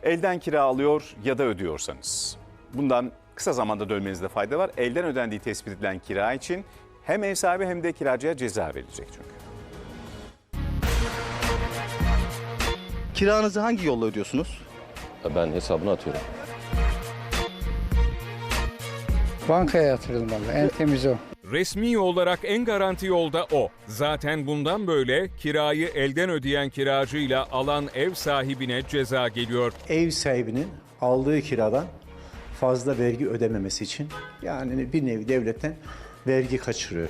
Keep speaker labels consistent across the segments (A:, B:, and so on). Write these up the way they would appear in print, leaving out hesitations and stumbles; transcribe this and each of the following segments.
A: Elden kira alıyor ya da ödüyorsanız bundan kısa zamanda dönmenizde fayda var. Elden ödendiği tespit edilen kira için hem ev sahibi hem de kiracıya ceza verilecek çünkü.
B: Kiranızı hangi yolla ödüyorsunuz?
C: Ben hesabına atıyorum.
D: Bankaya yatırılmalı. En temiz o.
E: Resmi olarak en garanti yolda o. Zaten bundan böyle kirayı elden ödeyen kiracıyla alan ev sahibine ceza geliyor.
F: Ev sahibinin aldığı kiradan fazla vergi ödememesi için yani bir nevi devletten vergi kaçırıyor.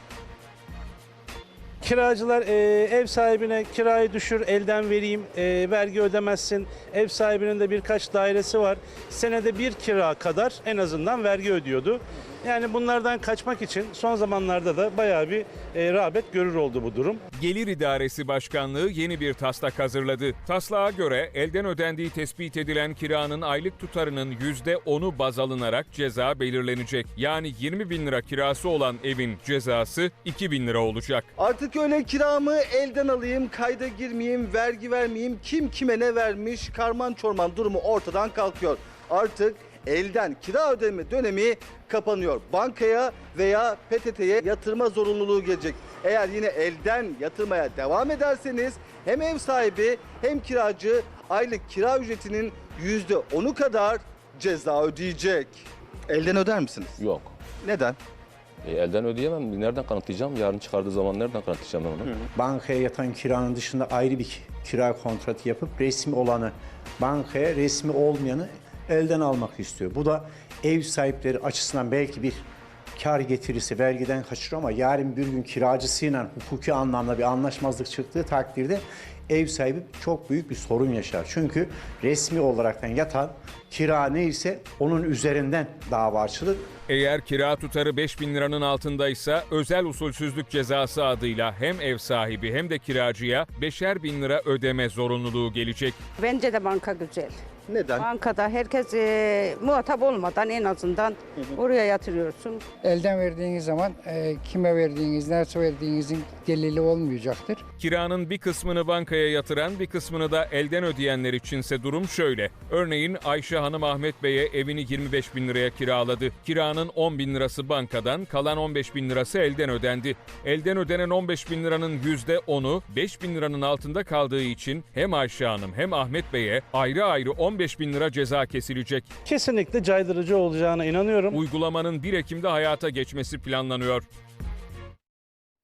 G: Kiracılar ev sahibine kirayı düşür, elden vereyim, vergi ödemezsin. Ev sahibinin de birkaç dairesi var. Senede bir kira kadar en azından vergi ödüyordu. Yani bunlardan kaçmak için son zamanlarda da bayağı bir rağbet görür oldu bu durum.
E: Gelir İdaresi Başkanlığı yeni bir taslak hazırladı. Taslağa göre elden ödendiği tespit edilen kiranın aylık tutarının %10'u baz alınarak ceza belirlenecek. Yani 20 bin lira kirası olan evin cezası 2 bin lira olacak.
B: Artık öyle kiramı elden alayım, kayda girmeyeyim, vergi vermeyeyim, kim kime ne vermiş, karman çorman durumu ortadan kalkıyor. Artık elden kira ödeme dönemi kapanıyor. Bankaya veya PTT'ye yatırma zorunluluğu gelecek. Eğer yine elden yatırmaya devam ederseniz hem ev sahibi hem kiracı aylık kira ücretinin %10'u kadar ceza ödeyecek. Elden öder misiniz?
C: Yok.
B: Neden?
C: Elden ödeyemem. Nereden kanıtlayacağım? Yarın çıkardığı zaman nereden kanıtlayacağım ben onu?
F: Bankaya yatan kiranın dışında ayrı bir kira kontratı yapıp resmi olanı bankaya, resmi olmayanı elden almak istiyor. Bu da ev sahipleri açısından belki bir kar getirisi vergiden kaçırıyor ama yarın bir gün kiracısıyla hukuki anlamda bir anlaşmazlık çıktığı takdirde ev sahibi çok büyük bir sorun yaşar. Çünkü resmi olaraktan yatan kira neyse onun üzerinden dava açılır.
E: Eğer kira tutarı 5 bin liranın altındaysa özel usulsüzlük cezası adıyla hem ev sahibi hem de kiracıya 5'er bin lira ödeme zorunluluğu gelecek.
H: Bence de banka güzel.
B: Neden?
H: Bankada herkes muhatap olmadan en azından oraya yatırıyorsun.
D: Elden verdiğiniz zaman kime verdiğiniz, nasıl verdiğinizin delili olmayacaktır.
E: Kiranın bir kısmını bankaya yatıran, bir kısmını da elden ödeyenler içinse durum şöyle. Örneğin Ayşe Hanım Ahmet Bey'e evini 25 bin liraya kiraladı. Kiranın 10 bin lirası bankadan, kalan 15 bin lirası elden ödendi. Elden ödenen 15 bin liranın %10'u 5 bin liranın altında kaldığı için hem Ayşe Hanım hem Ahmet Bey'e ayrı ayrı 15 bin lira ceza kesilecek.
G: Kesinlikle caydırıcı olacağına inanıyorum.
E: Uygulamanın 1 Ekim'de hayata geçmesi planlanıyor.